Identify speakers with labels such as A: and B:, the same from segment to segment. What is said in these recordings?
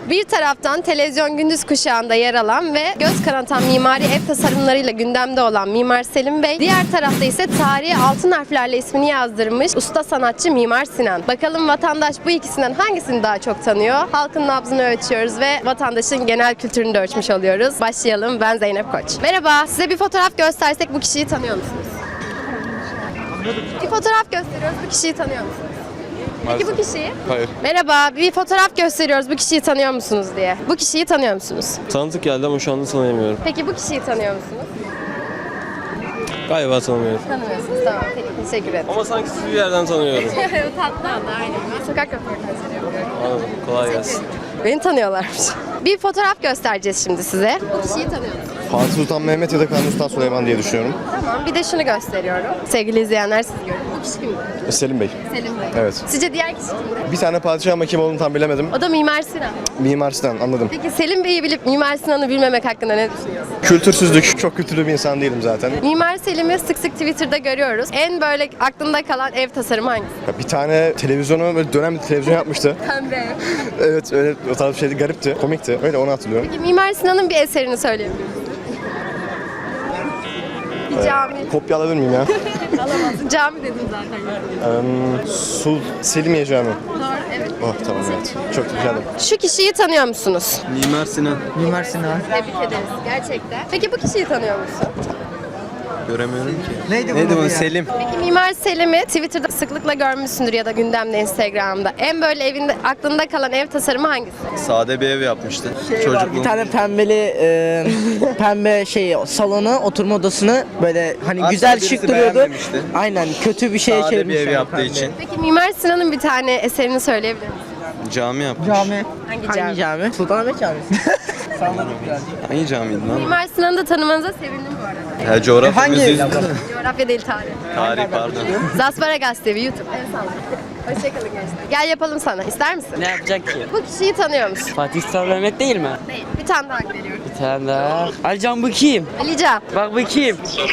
A: Bir taraftan televizyon gündüz kuşağında yer alan ve göz kanatan mimari ev tasarımlarıyla gündemde olan Mimar Selim Bey, diğer tarafta ise tarihe altın harflerle ismini yazdırmış usta sanatçı Mimar Sinan. Bakalım vatandaş bu ikisinden hangisini daha çok tanıyor? Halkın nabzını ölçüyoruz ve vatandaşın genel kültürünü de ölçmüş oluyoruz. Başlayalım. Ben Zeynep Koç. Merhaba. Size bir fotoğraf göstersek bu kişiyi tanıyor musunuz? Bir fotoğraf gösteriyoruz. Bu kişiyi tanıyor musunuz? Peki bu kişiyi?
B: Hayır.
A: Merhaba. Bir fotoğraf gösteriyoruz. Bu kişiyi tanıyor musunuz diye. Bu kişiyi tanıyor musunuz?
B: Tanıdık geldi ama şu anda tanıyamıyorum.
A: Peki bu kişiyi tanıyor musunuz?
B: Galiba tanımıyorum.
A: Tanımıyorsunuz. Tamam. Peki teşekkür ederim.
B: Ama sanki sizi bir yerden tanıyorum.
A: Tatlı adı aynen. Ben sokak röportajları yapıyorum.
B: Anladım. Kolay gelsin.
A: Beni tanıyorlarmış. Bir fotoğraf göstereceğiz şimdi size. Bu kişiyi tanıyor musunuz?
C: Fatih Sultan Mehmet ya da Kanuni Sultan Süleyman diye düşünüyorum.
A: Tamam. Bir de şunu gösteriyorum. Sevgili izleyenler siz görün. Bu kişi kimdir?
C: Selim Bey.
A: Selim Bey.
C: Evet.
A: Sizce diğer kişi kimdir?
C: Bir tane padişah ama kim olduğunu tam bilemedim.
A: O da Mimar Sinan.
C: Mimar Sinan, anladım.
A: Peki Selim Bey'i bilip Mimar Sinan'ı bilmemek hakkında ne düşünüyorsun?
C: Kültürsüzlük. Çok kültürlü bir insan değilim zaten.
A: Mimar Selim'i sık sık Twitter'da görüyoruz. En böyle aklında kalan ev tasarımı hangisi?
C: Bir tane televizyonu, böyle dönem bir televizyon yapmıştı.
A: Pembe.
C: Evet, öyle o tarz bir şeydi, garipti, komikti. Öyle, onu hatırlıyorum.
A: Peki Mimar Sinan'ın bir eserini söyleyebilir misin? Bir cami.
C: Kopya alabilir miyim ya?
A: Alamazsın. Cami dedim zaten.
C: Selimiye Camii.
A: Doğru, evet.
C: Oh, tamam, evet. Çok güzel.
A: Şu kişiyi tanıyor musunuz?
B: Mimar Sinan.
D: Mimar Sinan.
A: Tebrik ederiz. Gerçekten. Peki bu kişiyi tanıyor musun?
B: Göremiyorum ki.
D: Neydi
B: Neydi
D: bu ya?
B: Selim.
A: Peki Mimar Selim'i Twitter'da sıklıkla görmüşsündür ya da gündemde, Instagram'da. En böyle evinde aklında kalan ev tasarımı hangisi?
B: Sade bir ev yapmıştı.
D: Var, bir tane pembeli pembe salonu, oturma odasını böyle hani
B: Asla
D: güzel
B: birisi
D: şık duruyordu.
B: beğenmemişti.
D: Aynen, kötü bir şeye
B: Sade bir
D: çevirmişler.
B: ev yaptığı
D: pembe.
B: için.
A: Peki Mimar Sinan'ın bir tane eserini söyleyebilir misin?
B: Cami yapmış.
D: Cami.
A: Hangi cami?
D: cami? Sultanahmet Camisi.
B: Hangi camiydi lan?
A: Mimar Sinan'ı da tanımanıza sevindim bu arada.
B: Ha, coğrafya
D: Hangi
B: müziği.
D: ev?
A: Coğrafya değil, tarih.
B: Tarih pardon.
A: Zasparagas TV, YouTube. En sağlıklı. Hoşçakalın gençler. Gel yapalım sana. İster misin?
E: Ne yapacak ki?
A: Bu kişiyi tanıyor musun?
E: Fatih Sultan Mehmet değil mi?
A: Değil. Bir tane daha veriyorum.
E: Bir tane daha. Alican bu kim?
A: Alican.
E: Bak bu kim?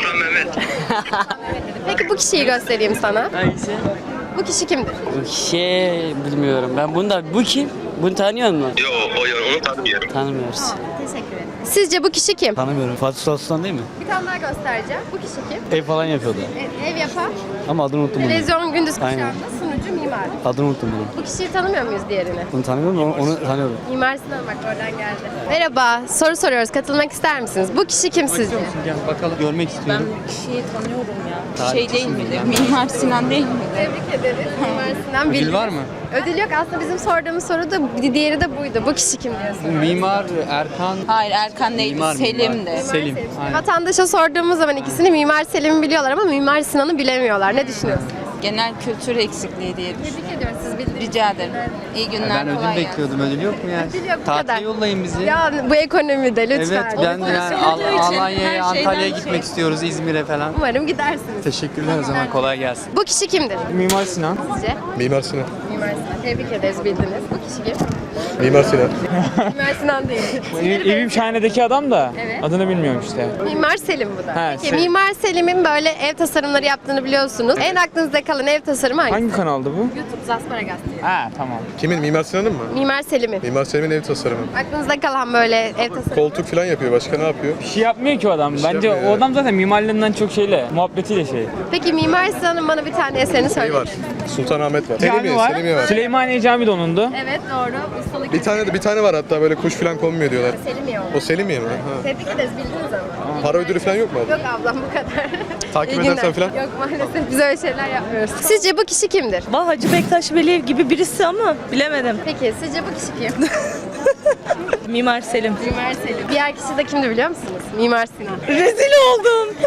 A: Peki bu kişiyi göstereyim sana.
E: Hangisi?
A: Bu kişi kimdir?
E: Bu kişi bilmiyorum. Ben bunu da... Bu kim? Bunu tanıyor musun?
F: Yo, onu tanımıyorum.
E: Tanımıyoruz.
A: Teşekkür ederim. Sizce bu kişi kim?
G: Tanımıyorum. Fatih Sultan değil mi?
A: Bir tane daha göstereceğim. Bu kişi kim?
G: Ev falan yapıyordu.
A: Ev yapan,
G: Ama adını unuttum bunu.
A: televizyon gündüz
G: Aynen.
A: kuşağında sunucu mimar.
G: Adını unuttum bunu.
A: Bu kişiyi tanımıyor muyuz diğerini?
G: Bunu tanımıyorum ama onu tanıyorum.
A: Mimar Sinan bak oradan geldi. Merhaba, soru soruyoruz. Katılmak ister misiniz? Bu kişi kim sizce?
G: Gel bakalım. Görmek istiyorum.
H: Kişiyi tanıyorum ya. Şey değil midir? Mimar Sinan değil mi?
A: Tebrik ederiz. Mimar Sinan
G: Ödül
A: bildi.
G: var mı?
A: Ödül yok. Aslında bizim sorduğumuz soru da diğeri de buydu. Bu kişi kim diyorsun?
G: Mimar Erkan
H: Hayır, Erkan değil. Selim de.
G: Selim. Aynen.
A: Vatandaşa sorduğumuz zaman ikisini Mimar Selim'i biliyorlar ama Mimar Sinan'ı bilemiyorlar. Ne düşünüyorsunuz?
H: Genel kültür eksikliği diye düşünüyorum.
A: Tebrik ediyoruz. Siz bildiniz.
H: Rica ederim. İyi günler.
G: Ben ödül
H: kolay gelsin.
G: bekliyordum. Ödül yok mu ya?
A: Ödül yok, bu kadar.
G: Tatile yollayın bizi.
A: Ya bu ekonomide lütfen.
G: Evet, ben de yani Alanya'ya, Antalya'ya gitmek istiyoruz, İzmir'e falan.
A: Umarım gidersiniz.
G: Teşekkürler o zaman. Kolay gelsin.
A: Bu kişi kimdir
G: Mimar Sinan.
A: sizce?
C: Mimar Sinan.
A: Mimar Sinan. Tebrik ederiz bildiniz. Bu kişi kim?
C: Mimar Sinan.
A: Mimar Sinan değil.
I: Evim Şahane'deki adam da
A: Evet.
I: adını bilmiyorum işte.
A: Mimar Selim bu da.
I: He,
A: Peki
I: Selim.
A: Mimar Selim'in böyle ev tasarımları yaptığını biliyorsunuz. En aklınızda kalan ev tasarımı hangisi?
I: Hangi kanaldı bu?
A: YouTube Zasparagas diyor.
I: Ha tamam.
C: Kimin? Mimar Sinan'ın mı?
A: Mimar Selim'in.
C: Mimar Selim'in ev tasarımı.
A: Aklınızda kalan böyle ev tasarımı.
C: Koltuk falan yapıyor. Başka ne yapıyor?
I: Bir şey yapmıyor ki o adam. Bence
C: yapmıyor
I: o
C: ya.
I: adam zaten mimarlığından çok şeyle, muhabbetiyle şey.
A: Peki Mimar Sinan'ın bana bir tane eserini
C: Şey
A: söyleyin.
C: var. Sultanahmet var.
I: Cami var. Süleymaniye Cami de onundu.
A: Evet doğru. Ustalık.
C: Bir tane var hatta, böyle kuş falan konmuyor diyorlar.
A: Selimiye oldu.
C: O Selimiye mi? Ha.
A: Tebrik ederiz bildiniz ama.
C: Para ödülü falan yok mu abla?
A: Yok ablam bu kadar.
C: Takip
A: İyi
C: edersen
A: günler.
C: falan?
A: Yok maalesef biz öyle şeyler yapmıyoruz. Sizce bu kişi kimdir?
J: Hacı Bektaş Veli gibi birisi ama bilemedim.
A: Peki sizce bu kişi kim?
J: Mimar Selim.
A: Mimar Selim. Diğer kişi de kimdi biliyor musunuz? Mimar Sinan.
J: Rezil oldum.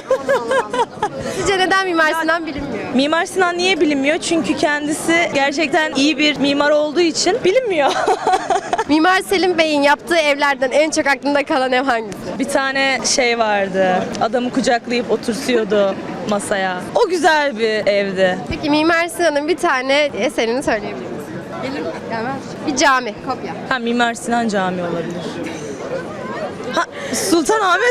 A: Sizce neden Mimar Sinan bilinmiyor?
J: Mimar Sinan niye bilinmiyor? Çünkü kendisi gerçekten iyi bir mimar olduğu için bilinmiyor.
A: Mimar Selim Bey'in yaptığı evlerden en çok aklında kalan ev hangisi?
J: Bir tane şey vardı. Adamı kucaklayıp oturtuyordu masaya. O güzel bir evdi.
A: Peki Mimar Sinan'ın bir tane eserini söyleyebilir misiniz? Gelir mi? Gelmez. Bir cami, kopya.
J: Ha, Mimar Sinan Camii olabilir. Ha, Sultanahmet.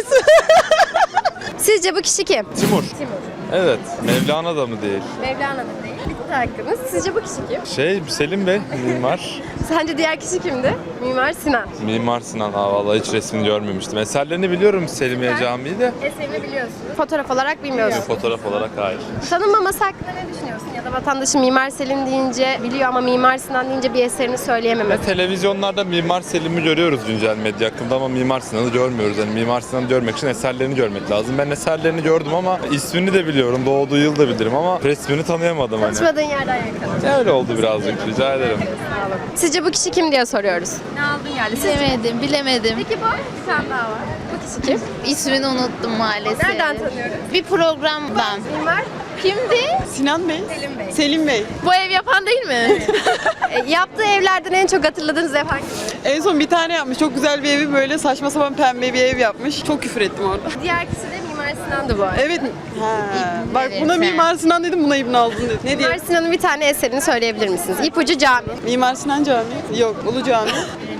A: Sizce bu kişi kim?
K: Timur.
A: Timur.
K: Evet. Mevlana da mı değil?
A: Mevlana'nın değil. Bitti hakkınız. Sizce bu kişi kim?
K: Selim Bey, mimar.
A: Sence diğer kişi kimdi? Mimar Sinan.
K: Mimar Sinan. Vallahi hiç resmini görmemiştim. Eserlerini biliyorum Selimiye Camii de.
A: Eserini biliyorsunuz. Fotoğraf olarak bilmiyorsunuz.
K: Fotoğraf olarak hayır.
A: Tanınmaması hakkında ne düşünüyorsun? Ya da vatandaşın Mimar Selim deyince biliyor ama Mimar Sinan deyince bir eserini söyleyememesi.
K: Televizyonlarda Mimar Selim'i görüyoruz güncel medya hakkında ama Mimar Sinan'ı görmüyoruz. Yani Mimar Sinan'ı görmek için eserlerini görmek lazım. Ben eserlerini gördüm ama ismini de biliyorum. Doğduğu yıl da bilirim ama resmini tanıyamadım hani.
A: Çalışmadığın yerden yakaladın.
K: Öyle oldu birazcık. Rica ederim.
A: Sizce bu kişi kim diye soruyoruz.
H: Ne aldın geldi? Bilemedim, bilemedim.
A: Peki bu? Bir tane daha var. Bu kişi kim?
H: İsmini unuttum maalesef.
A: Nereden tanıyoruz?
H: Bir programdan.
A: Mimar.
H: Kimdi?
J: Sinan Bey.
A: Selim Bey.
J: Selim Bey.
H: Bu ev yapan değil mi?
A: Yaptığı evlerden en çok hatırladığınız ev hangisi?
J: En son bir tane yapmış. Çok güzel bir evi böyle saçma sapan pembe bir ev yapmış. Çok küfür ettim orada.
A: Diğer kişi de Mimar Sinan'dı bu arada.
J: Evet. Bak buna
H: sen.
J: Mimar Sinan dedim, buna İbn aldın dedim. Ne
A: Mimar
J: diyeyim?
A: Sinan'ın bir tane eserini söyleyebilir misiniz? İpucu Cami.
J: Mimar Sinan Camii. Yok, Ulu Cami.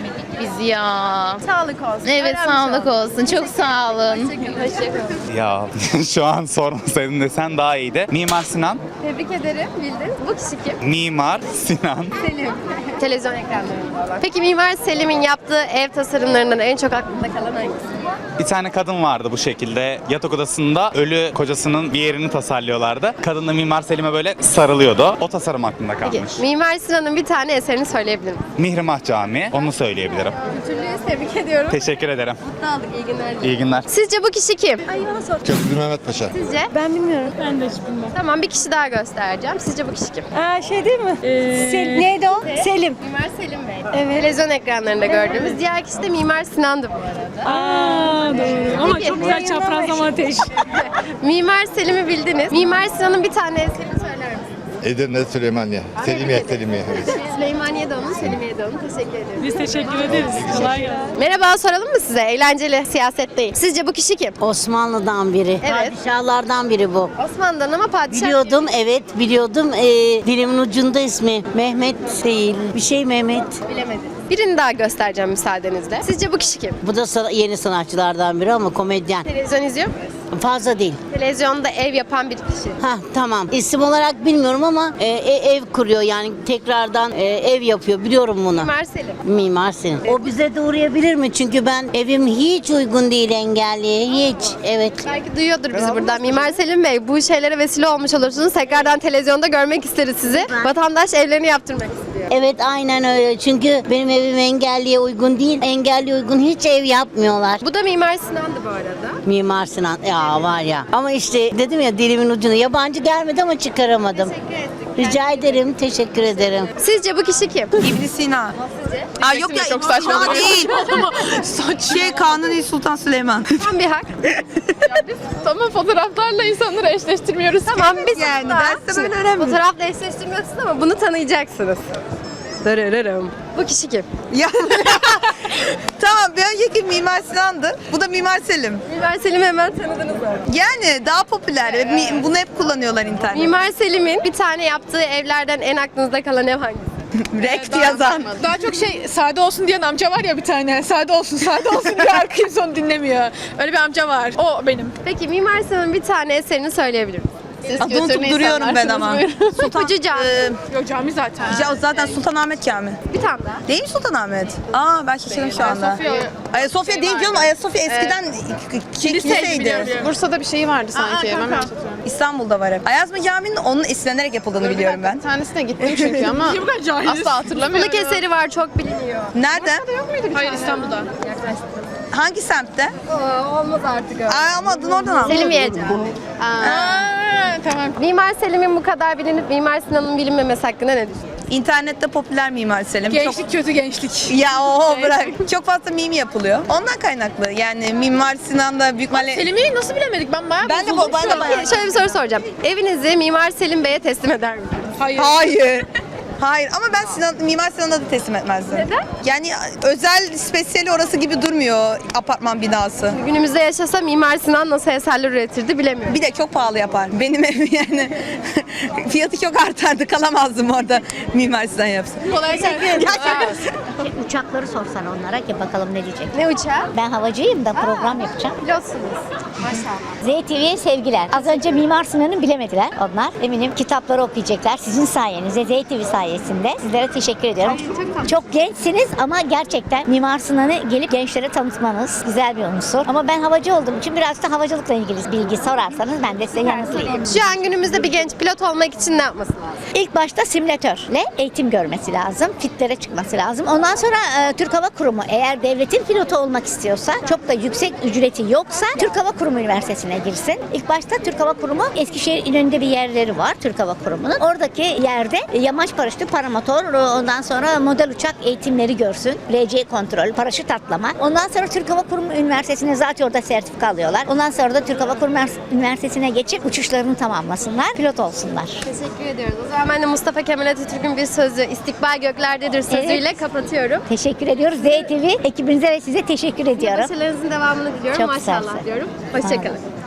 H: Biz ya.
A: Sağlık olsun.
H: Evet,
A: Öğrenmiş
H: sağlık
A: olduk.
H: olsun. Çok sağ olun.
A: Hoşçakalın.
F: Ya şu an sormasaydın desen daha iyiydi. Mimar Sinan,
A: Tebrik ederim. Bildin. Bu kişi kim?
F: Mimar Sinan.
A: Selim. Televizyon ekranlarında olan. Peki Mimar Selim'in yaptığı ev tasarımlarından en çok aklında kalan hangisi?
F: Bir tane kadın vardı bu şekilde. Yatak odasında ölü kocasının bir yerini tasarlıyorlardı. Kadın da Mimar Selim'e böyle sarılıyordu. O tasarım aklımda
A: Peki,
F: kalmış.
A: Mimar Sinan'ın bir tane eserini söyleyebilir miyim?
F: Mihrimah Camii, onu söyleyebilirim.
A: Kültürlüyüz, tebrik ediyorum.
F: Teşekkür ederim.
A: Mutlu olduk, iyi günler.
F: İyi günler.
A: Sizce bu kişi kim? Ay bana sor.
C: Köprülü Mehmet Paşa.
A: Sizce? Ben bilmiyorum. Ben de hiç bilmiyorum. Tamam, bir kişi daha göstereceğim. Sizce bu kişi kim?
J: Şey değil mi?
A: Neydi o? Selim. Mimar Selim Bey. Evet. Televizyon ekranlarında gördüğümüz. Diğer kişi de Mimar Sinan'dı bu arada.
J: Doğru.
A: Ama çok güzel çaprazlama ateş. Mimar Selim'i bildiniz. Mimar Sinan'ın bir tane eserini söyler misiniz?
C: Edirne Süleymaniye. Selimiye. Evet.
A: Süleymaniye de onun, Selimiye de onun. Teşekkür ederim.
J: Biz teşekkür ederiz. Kolay gelsin.
A: Merhaba, soralım mı size? Eğlenceli, siyaset değil. Sizce bu kişi kim?
L: Osmanlı'dan biri.
A: Evet.
L: Padişahlardan biri bu.
A: Osmanlı'dan ama padişah.
L: Biliyordum, evet biliyordum. Dilimin ucunda ismi. Mehmet değil. Bir şey Mehmet.
A: Bilemedim. Birini daha göstereceğim müsaadenizle. Sizce bu kişi kim?
L: Bu da yeni sanatçılardan biri ama komedyen.
A: Televizyon izliyor muyuz?
L: Fazla değil.
A: Televizyonda ev yapan bir kişi.
L: Tamam. İsim olarak bilmiyorum ama ev kuruyor yani tekrardan ev yapıyor. Biliyorum bunu.
A: Mimar Selim.
L: Mimar Sinan. O bize de uğrayabilir mi? Çünkü ben evim hiç uygun değil engelliye. Hiç. Evet.
A: Belki duyuyordur bizi buradan. Mimar Selim Bey, bu şeylere vesile olmuş olursunuz. Tekrardan televizyonda görmek isteriz sizi. Vatandaş evlerini yaptırmak istiyor.
L: Evet aynen öyle. Çünkü benim evim engelliye uygun değil. Engelliye uygun hiç ev yapmıyorlar.
A: Bu da Mimar Sinan'dı bu arada.
L: Mimar Sinan. Ya var ya. Ama işte dedim ya dilimin ucunu. Yabancı gelmedi ama çıkaramadım. Rica ederim. Teşekkür ederim.
A: Sizce bu kişi kim?
J: İbn Sina. Aa yok ya, çok saçma değil. Kanuni Sultan Süleyman.
A: Tam bir hak.
H: Tamam, fotoğraflarla insanları eşleştirmiyoruz.
A: Tamam, biz
J: Yani
A: daha-
J: derste böyle önemli.
A: Fotoğrafla eşleştirmiyorsunuz ama bunu tanıyacaksınız. Darararım. Bu kişi kim?
J: Ya. Tamam, bir önceki Mimar Sinan'dı. Bu da Mimar Selim.
A: Mimar Selim'i hemen tanıdınız mı?
J: Yani daha popüler. Bunu hep kullanıyorlar internette.
A: Mimar Selim'in bir tane yaptığı evlerden en aklınızda kalan ev hangisi?
J: Rekt yazan.
H: Daha çok sade olsun diyen amca var ya bir tane. Sade olsun diyor, arkayı son dinlemiyor. Öyle bir amca var. O benim.
A: Peki Mimar Sinan'ın bir tane eserini söyleyebilir misiniz?
J: Adını unutup duruyorum ben ama.
A: İpucu Cami.
H: Yok, cami zaten.
J: Ya zaten Sultanahmet Camii.
A: Bir tane daha.
J: Değil mi Sultanahmet? Ben şaşırdım şu anda. Ayasofya değil canım. Ayasofya eskiden kiliseydi.
H: Bursa'da bir şey vardı sanki.
J: İstanbul'da var hep. Ayazma Camii'nin onun esinlenerek yapıldığını biliyorum ben.
H: Bir tanesine gittim çünkü ama asla hatırlamıyorum.
A: Kılık eseri var, çok biliniyor.
J: Nerede?
H: Hayır, İstanbul'da.
J: Hangi semtte?
A: Olmaz artık öyle.
J: Ama adını oradan al.
A: Selimiye Camii.
H: Tamam.
A: Mimar Selim'in bu kadar bilinip Mimar Sinan'ın bilinmemesi hakkında ne düşünüyorsunuz?
J: İnternette popüler Mimar Selim.
H: Gençlik kötü gençlik.
J: Ya bırak. Çok fazla meme yapılıyor. Ondan kaynaklı. Yani Mimar Sinan'da büyük ihtimalle...
H: Selim'i nasıl bilemedik? Ben bayağı
J: Ben de
H: bozuldum şu an.
J: bayağı.
A: Şöyle bir soru soracağım. Evinizi Mimar Selim Bey'e teslim eder misiniz?
H: Hayır.
J: Hayır. Hayır ama ben Mimar Sinan'a da teslim etmezdim.
A: Neden?
J: Yani özel, spesiyeli orası gibi durmuyor apartman binası.
A: Günümüzde yaşasa Mimar Sinan nasıl eserler üretirdi bilemiyorum.
J: Bir de çok pahalı yapar. Benim evim yani fiyatı çok artardı. Kalamazdım orada Mimar Sinan yapsın.
H: Kolay gelsin.
L: Uçakları sorsan onlara ki bakalım ne diyecek.
A: Ne uçağı?
L: Ben havacıyım da program yapacağım.
A: Pilotsunuz. Maşallah.
L: ZTV'ye sevgiler. Az önce Mimar Sinan'ı bilemediler onlar. Eminim kitapları okuyacaklar. Sizin sayenizde, ZTV sayesinde. Sizlere teşekkür ediyorum. Çok gençsiniz ama gerçekten Mimar Sinan'ı gelip gençlere tanıtmanız güzel bir unsur. Ama ben havacı olduğum için biraz da havacılıkla ilgili bilgi sorarsanız ben de size yanıtlayayım.
A: Şu an günümüzde bir genç pilot olmak için ne yapması lazım?
L: İlk başta simülatörle eğitim görmesi lazım. Fitlere çıkması lazım. Ondan sonra Türk Hava Kurumu eğer devletin pilotu olmak istiyorsa, çok da yüksek ücreti yoksa Türk Hava Kurumu Üniversitesi'ne girsin. İlk başta Türk Hava Kurumu Eskişehir İnönü'nde bir yerleri var Türk Hava Kurumu'nun. Oradaki yerde yamaç paraşütü, paramotor, ondan sonra model uçak eğitimleri görsün. RC kontrol, paraşüt atlama. Ondan sonra Türk Hava Kurumu Üniversitesi'ne zaten orada sertifika alıyorlar. Ondan sonra da Türk Hava Kurumu Üniversitesi'ne geçip uçuşlarını tamamlasınlar. Pilot olsunlar.
A: Teşekkür ediyoruz. O zaman ben de Mustafa Kemal Atatürk'ün bir sözü "İstikbal göklerdedir" sözüyle kapatıyorum.
L: Teşekkür ediyoruz. ZTV ekibinize ve size teşekkür ediyorum.
A: Başarılarınızın devamını diliyorum.
L: Çok sağ
A: Maşallah
L: olun.
A: diyorum. Hoşçakalın.